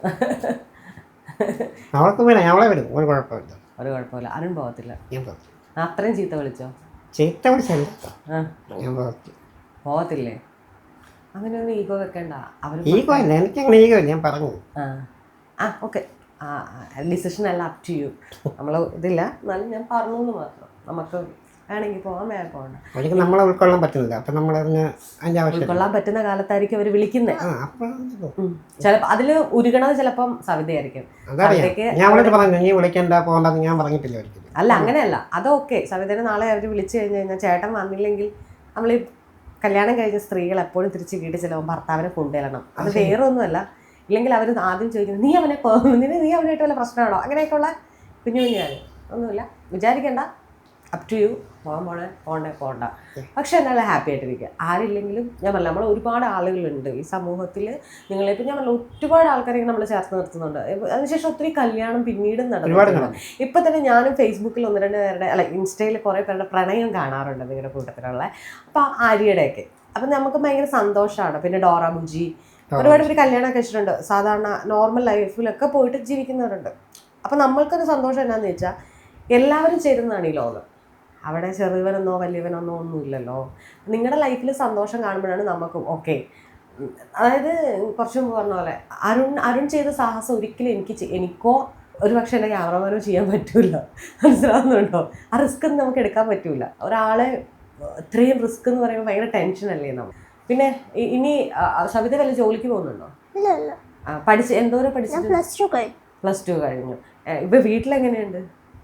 Speaker 3: അവൾക്ക് വേണം, അവളെ വിടും. ഒരു കുഴപ്പമില്ല.
Speaker 2: ഒരു കുഴപ്പമില്ല. അരുൺ പോകത്തില്ല?
Speaker 3: ഞാൻ പോകത്തില്ല.
Speaker 2: അത്രയും ചീത്ത വിളിച്ചോ?
Speaker 3: ചീത്ത വിളിച്ചല്ല, ഞാൻ പോകത്തില്ല.
Speaker 2: പോകത്തില്ലേ? അങ്ങനെ ഒന്നും ഈഗോ വെക്കണ്ട. അവർ
Speaker 3: ഈഗോ ഇല്ല, എനിക്ക് അങ്ങനെ ഈഗോ ഇല്ല. ഞാൻ പറഞ്ഞു.
Speaker 2: ആ ആ ഓക്കെ. ആ ഡിസിഷൻ അല്ല, അപ് ടു യു. നമ്മൾ ഇതില്ല, എന്നാലും ഞാൻ പറഞ്ഞു എന്ന് മാത്രം. നമുക്ക് വേണമെങ്കിൽ പോകാൻ, വേറെ പോകണ്ട.
Speaker 3: ഒരിക്കലും നമ്മളെ ഉൾക്കൊള്ളാൻ പറ്റുന്നില്ല. അപ്പം നമ്മൾ അതിൻ്റെ ആവശ്യം
Speaker 2: ഉൾക്കൊള്ളാൻ പറ്റുന്ന കാലത്തായിരിക്കും അവർ വിളിക്കുന്നത്. ചിലപ്പോൾ അതിൽ ഉരുകണത് ചിലപ്പം സവിതയായിരിക്കും.
Speaker 3: ഞാൻ അവളോട് പറഞ്ഞു നീ വിളിക്കണ്ട, പോകണ്ടെന്ന് ഞാൻ പറഞ്ഞിട്ടില്ല ഒരിക്കലും.
Speaker 2: അല്ല അങ്ങനെയല്ല, അതൊക്കെ സവിതേനെ നാളെ അവർ വിളിച്ചു കഴിഞ്ഞ് കഴിഞ്ഞാൽ ചേട്ടൻ വന്നില്ലെങ്കിൽ നമ്മൾ ഈ കല്യാണം കഴിഞ്ഞ സ്ത്രീകൾ എപ്പോഴും തിരിച്ച് വീട്ടിൽ ചിലപ്പോൾ ഭർത്താവിനെ കൊണ്ടുവരണം. അത് വേറെ ഒന്നുമല്ല. ഇല്ലെങ്കിൽ അവർ ആദ്യം ചോദിക്കുന്നത് നീ അവനെ നിന്നെ നീ അവനായിട്ട് വല്ല പ്രശ്നമാണോ? അങ്ങനെയൊക്കെയുള്ള കുഞ്ഞു കുഞ്ഞു കാര്യം ഒന്നുമില്ല. വിചാരിക്കേണ്ട, അപ് ടു യു. പോകാൻ പോണേ പോകണ്ടേ പോകണ്ട. പക്ഷെ എന്നാലും ഹാപ്പി ആയിട്ടിരിക്കുക. ആരില്ലെങ്കിലും ഞാൻ പറഞ്ഞില്ല, നമ്മൾ ഒരുപാട് ആളുകളുണ്ട് ഈ സമൂഹത്തിൽ. നിങ്ങളിപ്പോൾ ഞാൻ പറഞ്ഞില്ല ഒരുപാട് ആൾക്കാരെയൊക്കെ നമ്മൾ ചേർത്ത് നിർത്തുന്നുണ്ട്. അതിനുശേഷം ഒത്തിരി കല്യാണം പിന്നീടും നടന്നു. ഇപ്പം തന്നെ ഞാനും ഫേസ്ബുക്കിൽ ഒന്ന് രണ്ട് പേരുടെ അല്ല ഇൻസ്റ്റയിൽ കുറേ പേരുടെ പ്രണയം കാണാറുണ്ട് നിങ്ങളുടെ കൂട്ടത്തിലുള്ള. അപ്പോൾ ആര്യയുടെയൊക്കെ അപ്പം നമുക്ക് ഭയങ്കര സന്തോഷമാണ്. പിന്നെ ഡോറ ബുജി ഒരുപാട് പേര് കല്യാണം കഴിച്ചിട്ടുണ്ട്. സാധാരണ നോർമൽ ലൈഫിലൊക്കെ പോയിട്ട് ജീവിക്കുന്നവരുണ്ട്. അപ്പം നമ്മൾക്കൊരു സന്തോഷം എന്നാന്ന് വെച്ചാൽ എല്ലാവരും ചേരുന്നതാണ് ഈ ലോകം. അവിടെ ചെറുവനെന്നോ വലിയവനെന്നോ ഒന്നുമില്ലല്ലോ. നിങ്ങളുടെ ലൈഫിൽ സന്തോഷം കാണുമ്പോഴാണ് നമുക്ക് ഓക്കെ. അതായത് കുറച്ച് മുമ്പ് പറഞ്ഞ പോലെ അരുൺ അരുൺ ചെയ്ത സാഹസം ഒരിക്കലും എനിക്ക് എനിക്കോ ഒരു പക്ഷേ എൻ്റെ ക്യാമറമാനോ ചെയ്യാൻ പറ്റില്ല. മനസ്സിലാവുന്നുണ്ടോ? ആ റിസ്ക് ഒന്നും നമുക്ക് എടുക്കാൻ പറ്റില്ല. ഒരാളെ ഇത്രയും റിസ്ക് എന്ന് പറയുമ്പോൾ ഭയങ്കര ടെൻഷനല്ലേ നമ്മൾ. പിന്നെ ഇനി സവിത വല്ല ജോലിക്ക് പോകുന്നുണ്ടോ? പഠിച്ച് എന്തോരം പഠിച്ചു?
Speaker 1: പ്ലസ് ടു കഴിഞ്ഞു.
Speaker 2: പ്ലസ് ടു കഴിഞ്ഞു. ഇപ്പൊ വീട്ടിലെങ്ങനെയുണ്ട്?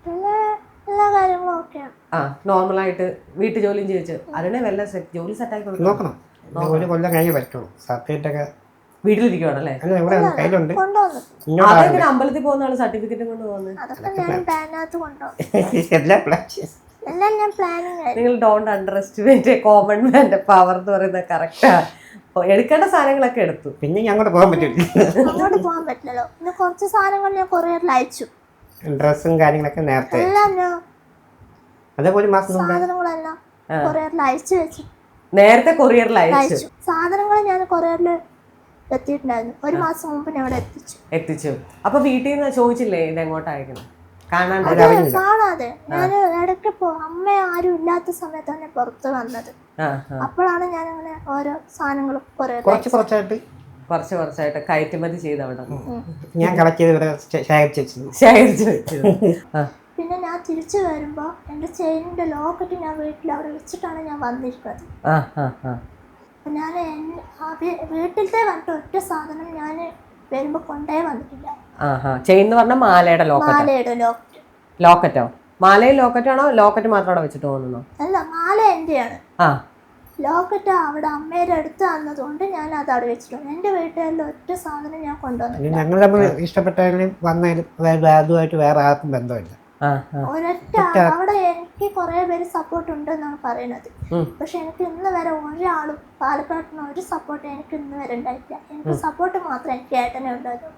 Speaker 2: ആ നോർമലായിട്ട് വീട്ടു ജോലിയും ചോദിച്ചു അരുണെ വല്ല ജോലി സെറ്റാക്കി
Speaker 3: നോക്കണം. ഒരു കൊല്ലം കഴിഞ്ഞ് പറ്റുള്ളൂ. സർട്ടിഫിക്കറ്റൊക്കെ
Speaker 2: വീട്ടിലിരിക്കുവാണല്ലേ?
Speaker 3: അല്ല ഇവിടെ കയ്യിലുണ്ട്.
Speaker 1: കൊണ്ടുവന്നു.
Speaker 3: ഇങ്ങോട്ട്
Speaker 2: അതെങ്ങനെ അമ്പലത്തിൽ പോകുന്ന ആള് സർട്ടിഫിക്കറ്റും കൊണ്ട് പോകുന്നത്?
Speaker 1: അതൊക്കെ ഞാൻ ബാനകത്ത് കൊണ്ടുപോകും.
Speaker 3: എല്ലാ പ്ലാൻ
Speaker 1: എല്ലാം ഞാൻ പ്ലാനിങ് ആയിരുന്നു.
Speaker 2: നിങ്ങൾ ഡോണ്ട് അണ്ടർ എസ്റ്റിമേറ്റ് കോമൺ മാന്റെ പവർ എന്ന് പറയുന്നത് കറക്റ്റാ. എടുക്കേണ്ട സാധനങ്ങളൊക്കെ എടുത്തു.
Speaker 3: പിന്നെ അങ്ങോട്ട് പോകാൻ പറ്റില്ല,
Speaker 1: അങ്ങോട്ട് പോകാൻ പറ്റില്ലല്ലോ. പിന്നെ കുറച്ച് സാധനങ്ങൾ ഞാൻ കൊറിയറിൽ അയച്ചു.
Speaker 3: ഡ്രസ്സും കാര്യങ്ങളൊക്കെ നേരത്തെ
Speaker 1: എല്ലാം ഞാൻ
Speaker 3: അതേപോലെ മാസം മുമ്പേ
Speaker 1: സാധനങ്ങളെല്ലാം കൊറിയറിൽ അയച്ചു വെച്ചു.
Speaker 2: നേരത്തെ കൊറിയറിൽ അയച്ചു
Speaker 1: അയച്ചു സാധനങ്ങൾ ഞാൻ കൊറിയറിൽ എത്തിയിട്ടുണ്ടായിരുന്നു. ഒരു മാസം മുമ്പ് ഞാൻ ഇവിടെ എത്തിച്ചു
Speaker 2: എത്തിച്ചു. അപ്പൊ വീട്ടിൽ നിന്ന് ചോദിച്ചില്ലേ ഇത് എങ്ങോട്ട് അയക്കണം? കാണാണ്ട്
Speaker 1: അത് കാണാതെ ഞാൻ ഇടയ്ക്ക് പോ അമ്മ ആരും ഇല്ലാത്ത സമയത്താണ് ഞാൻ പുറത്ത് വന്നത്. അപ്പോഴാണ് ഞാൻ അങ്ങനെ ഓരോ സാധനങ്ങളും കൊറിയറിൽ
Speaker 3: കുറച്ച് കുറച്ചായിട്ട്
Speaker 2: കുറച്ച് കുറച്ചായിട്ട് കയറ്റുമതി ചെയ്ത് അവിടെ
Speaker 3: ഞാൻ കളക്ട് ചെയ്ത് ഇവിടെ ശേഖരിച്ച് വെച്ചു
Speaker 2: ശേഖരിച്ച് വെച്ചു.
Speaker 1: പിന്നെ ഞാൻ തിരിച്ചു വരുമ്പോ എന്റെ ചെയിനിന്റെ ലോക്കറ്റ് ഞാൻ വീട്ടിൽ അവിടെ വെച്ചിട്ടാണ് ഞാൻ വന്നിരിക്കുന്നത്. അപ്പൊ ഞാൻ വീട്ടിലത്തെ വന്നിട്ട് ഒറ്റ സാധനം ഞാൻ വരുമ്പോ കൊണ്ടേ വന്നിട്ടില്ല.
Speaker 2: ചെയിൻ എന്ന് പറഞ്ഞാൽ മാലയുടെ ലോക്കറ്റ്.
Speaker 1: മാലയുടെ ലോക്കറ്റ്.
Speaker 2: ലോക്കറ്റോ? മാലയും ലോക്കറ്റാണോ? ലോക്കറ്റ് മാത്രം അവിടെ വെച്ചിട്ട് പോകുന്നോ?
Speaker 1: അല്ല, മാല എന്റെയാണ്. ലോക്കറ്റ് അവിടെ അമ്മയുടെ അടുത്ത് വന്നതുകൊണ്ട് ഞാൻ അത് അവിടെ വെച്ചിട്ടുണ്ട്. എന്റെ വീട്ടുകാരിൽ ഒറ്റ സാധനം ഞാൻ കൊണ്ടുവന്നു.
Speaker 3: ഞങ്ങൾ തമ്മിൽ ഇഷ്ടപ്പെട്ടാലും വന്നാലും അതായത് അതുമായിട്ട് വേറെ ആർക്കും ബന്ധമില്ല.
Speaker 1: ഒരൊറ്റ അവിടെ എനിക്ക് കുറെ പേര് സപ്പോർട്ട് ഉണ്ടെന്നാണ് പറയുന്നത്. പക്ഷെ എനിക്ക് ഇന്ന് വരെ ഒരാളും പാലക്കാട്ടിന് ഒരു സപ്പോർട്ട് എനിക്ക് ഇന്ന് വരെ ഉണ്ടായിട്ടില്ല. എനിക്ക് സപ്പോർട്ട് മാത്രം എനിക്ക് ഏട്ടനെ ഉണ്ടായിരുന്നു.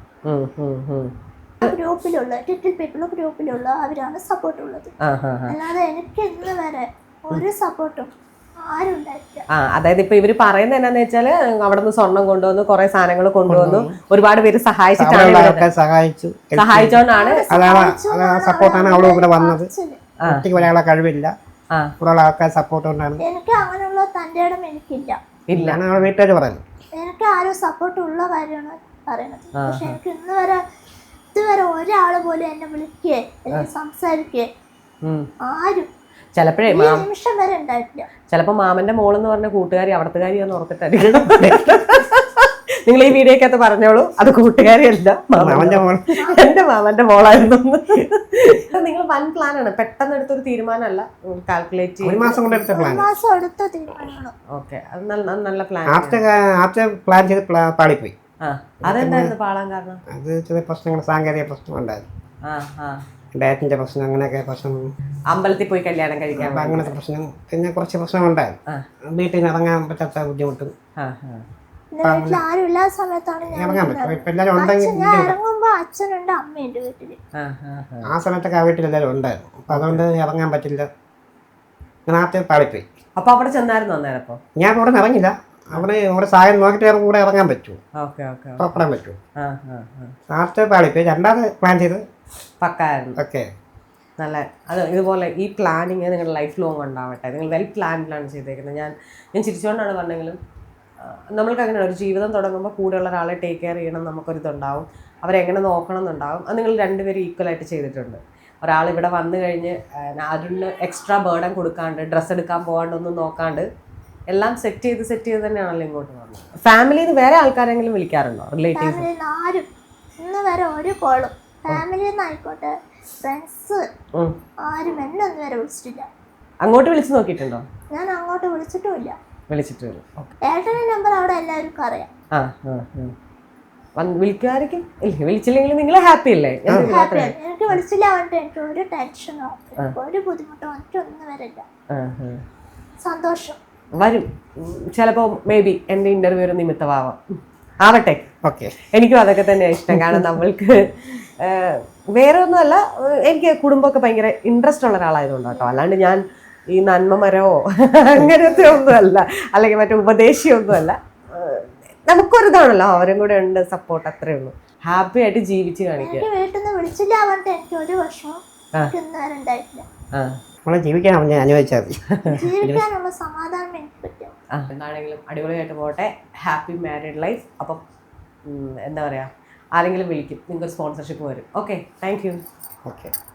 Speaker 1: ഗ്രൂപ്പിലുള്ള ലിറ്റിൽ പീപ്പിൾ ഗ്രൂപ്പിലുള്ള അവരാണ് സപ്പോർട്ട് ഉള്ളത്. അല്ലാതെ എനിക്ക് ഇന്ന് വരെ ഒരു സപ്പോർട്ടും ആരും ഉണ്ടായിട്ടില്ല.
Speaker 2: ആ അതായത് ഇപ്പൊ ഇവര് പറയുന്നത് എന്നാന്ന് വെച്ചാല് അവിടെ നിന്ന് സ്വർണം കൊണ്ടുവന്നു, കുറെ സാധനങ്ങൾ കൊണ്ടുവന്നു, ഒരുപാട് പേര് സഹായിച്ചിട്ടാണ്
Speaker 3: സഹായിച്ചു
Speaker 2: സഹായിച്ചോണ്ടാണ്
Speaker 3: സപ്പോർട്ടാണ് അവള് ഇവിടെ വന്നത്. ഒറ്റയ്ക്ക് ഒരാളെ കഴിവില്ല, കുറെ ആൾക്കാർ സപ്പോർട്ട് കൊണ്ടാണ്.
Speaker 1: എനിക്ക് അങ്ങനെയുള്ള തന്റെ ഇടം എനിക്കില്ല.
Speaker 2: ഇല്ല
Speaker 3: വീട്ടുകാർ പറയുന്നത്.
Speaker 1: എനിക്ക് ആരും സപ്പോർട്ട് ഉള്ള കാര്യമാണ് പറയുന്നത്. പക്ഷെ എനിക്ക് ഇന്ന് വരെ ഇതുവരെ ഒരാള് പോലും എന്നെ വിളിക്കേ അല്ലെങ്കിൽ സംസാരിക്കേ ആരും
Speaker 2: ചിലപ്പോഴേ
Speaker 1: നിമിഷം വരെ ഉണ്ടായിട്ടില്ല.
Speaker 2: ചിലപ്പോ മാമന്റെ മോളെന്ന് പറഞ്ഞ കൂട്ടുകാരി അവിടത്തുകാരിയാന്ന് ഓർത്തിട്ടായിരിക്കും നിങ്ങൾ ഈ വീഡിയോക്കകത്ത് പറഞ്ഞോളൂ അത് കൂട്ടുകാരിയല്ല, എന്റെ മാമന്റെ മോളായിരുന്നു. നിങ്ങൾ വൻ പ്ലാൻ ആണ്, പെട്ടെന്ന് എടുത്തൊരു തീരുമാനമല്ല, കാൽക്കുലേറ്റ് ചെയ്ത്
Speaker 1: മാസം എടുത്ത തീരുമാനമാണ്.
Speaker 2: ഓക്കെ, അത് നല്ല നല്ല പ്ലാൻ.
Speaker 3: പ്ലാൻ ചെയ്ത് പാളിപ്പോയി.
Speaker 2: അതെന്തായിരുന്നു പാളാൻ കാരണം?
Speaker 3: അത് ചെറിയ പ്രശ്നങ്ങൾ, സാങ്കേതിക പ്രശ്നം ഉണ്ടായിരുന്നു. ഡയറ്റിന്റെ പ്രശ്നം, അങ്ങനെയൊക്കെ പ്രശ്നം.
Speaker 2: അമ്പലത്തിൽ പോയി കല്യാണം കഴിക്കാൻ
Speaker 3: അങ്ങനത്തെ പ്രശ്നം, പിന്നെ കുറച്ച് പ്രശ്നമുണ്ടായിരുന്നു. വീട്ടിൽ നിന്ന് ഇറങ്ങാൻ പറ്റാത്ത ബുദ്ധിമുട്ടും.
Speaker 1: ആരും ഇല്ലാത്ത സമയത്താണ് ഞാൻ ഇറങ്ങുമ്പോ അച്ഛനുണ്ട്, അമ്മയുണ്ട് വീട്ടില്.
Speaker 3: ആ സമയത്തൊക്കെ ആ വീട്ടിൽ എല്ലാവരും ഉണ്ടായിരുന്നു. അപ്പൊ അതുകൊണ്ട് ഇറങ്ങാൻ പറ്റില്ല, നാട്ടിൽ പാളിപ്പോയി.
Speaker 2: അപ്പൊ അവിടെ ചെന്നായിരുന്നു അന്നേരം? അപ്പൊ ഞാൻ
Speaker 3: അവിടെ നിന്ന് ഇറങ്ങില്ല, അവിടെ അവിടെ സായം നോക്കിയിട്ട് കൂടെ ഇറങ്ങാൻ പറ്റുമോ, പുറപ്പെടാൻ പറ്റുമോ? നാട്ടിൽ പാളിപ്പോയി. രണ്ടാമത് പ്ലാൻ ചെയ്ത്
Speaker 2: പക്കായിരുന്നു.
Speaker 3: ഓക്കെ,
Speaker 2: നല്ല അത് ഇതുപോലെ ഈ പ്ലാനിങ് നിങ്ങളുടെ ലൈഫ് ലോങ് ഉണ്ടാവട്ടെ. നിങ്ങൾ വെൽ പ്ലാൻഡിലാണ് ചെയ്തേക്കുന്നത്. ഞാൻ ഞാൻ ചിരിച്ചുകൊണ്ടാണ് പറഞ്ഞെങ്കിലും നമ്മൾക്ക് അങ്ങനെയാണ്, ഒരു ജീവിതം തുടങ്ങുമ്പോൾ കൂടെയുള്ള ഒരാളെ ടേക്ക് കെയർ ചെയ്യണം, നമുക്കൊരിതുണ്ടാവും, അവരെങ്ങനെ നോക്കണം എന്നുണ്ടാവും. അത് നിങ്ങൾ രണ്ടുപേരും ഈക്വലായിട്ട് ചെയ്തിട്ടുണ്ട്. ഒരാൾ ഇവിടെ വന്നു കഴിഞ്ഞ് അതിന് എക്സ്ട്രാ ബേർഡൻ കൊടുക്കാണ്ട്, ഡ്രസ്സ് എടുക്കാൻ പോകാണ്ടൊന്നും നോക്കാണ്ട് എല്ലാം സെറ്റ് ചെയ്ത് സെറ്റ് ചെയ്ത് തന്നെയാണല്ലോ ഇങ്ങോട്ട് വന്നത്. ഫാമിലിയിൽ നിന്ന് വേറെ ആൾക്കാരെങ്കിലും വിളിക്കാറുണ്ടോ? റിലേറ്റീവ്സ്
Speaker 1: ആരും ഇന്ന് വരെ ഒരു കോളും ഫാമിലിയിൽ നിന്ന് ആയിക്കോട്ടെ ഫ്രണ്ട്സ് ആരും എന്നെ ഒന്നും വരെ വിളിച്ചിട്ടില്ല.
Speaker 2: അങ്ങോട്ട് വിളിച്ചു നോക്കിയിട്ടുണ്ടോ?
Speaker 1: ഞാൻ അങ്ങോട്ട് വിളിച്ചിട്ടുമില്ല.
Speaker 2: വിളിച്ചിട്ടില്ല.
Speaker 1: ഏട്ടന്റെ നമ്പർ അവിടെ എല്ലാവർക്കും അറിയാം.
Speaker 2: വിളിക്കായിരിക്കും. ഇല്ല, വിളിച്ചില്ലെങ്കിൽ നിങ്ങൾ ഹാപ്പി അല്ലേ?
Speaker 1: എനിക്ക് വിളിച്ചില്ല പറഞ്ഞിട്ട് എനിക്ക് ഒരു ടെൻഷനോ ഒരു ബുദ്ധിമുട്ടോ എനിക്കൊന്നും വരില്ല. സന്തോഷം
Speaker 2: വരും. ചിലപ്പോ മേ ബി എന്റെ ഇന്റർവ്യൂ ഒരു നിമിത്തമാവാം, ആവട്ടെ.
Speaker 3: ഓക്കെ,
Speaker 2: എനിക്കും അതൊക്കെ തന്നെയാണ് ഇഷ്ടം. കാരണം നമ്മൾക്ക് വേറെ ഒന്നുമല്ല, എനിക്ക് കുടുംബമൊക്കെ ഭയങ്കര ഇൻട്രസ്റ്റ് ഉള്ള ഒരാളായതുകൊണ്ട് കേട്ടോ. അല്ലാണ്ട് ഞാൻ ഈ നന്മ മരമോ അങ്ങനത്തെ ഒന്നുമല്ല, അല്ലെങ്കിൽ മറ്റേ ഉപദേശിയൊന്നുമല്ല. നമുക്കൊരിതാണല്ലോ, അവരും കൂടെ ഉണ്ട് സപ്പോർട്ട്, അത്രേ ഉള്ളൂ. ഹാപ്പി ആയിട്ട് ജീവിച്ച് കാണിക്കുക.
Speaker 1: വീട്ടിൽ നിന്ന് വിളിച്ചില്ല പറഞ്ഞിട്ട് എനിക്ക് ഒരു വർഷം ഉണ്ടായിട്ടില്ല.
Speaker 3: ജീവിക്കാനാണ് ഞാൻ അനുഭവിച്ചത്.
Speaker 1: ജീവിക്കാനുള്ള സമാധാനം എനിക്ക് പറ്റും.
Speaker 2: എന്താണെങ്കിലും അടിപൊളിയായിട്ട് പോട്ടെ. Happy married life. അപ്പം എന്താ പറയുക, ആരെങ്കിലും വിളിക്കും, നിങ്ങൾക്ക് സ്പോൺസർഷിപ്പ് വരും. Okay, thank you.
Speaker 3: ഓക്കെ.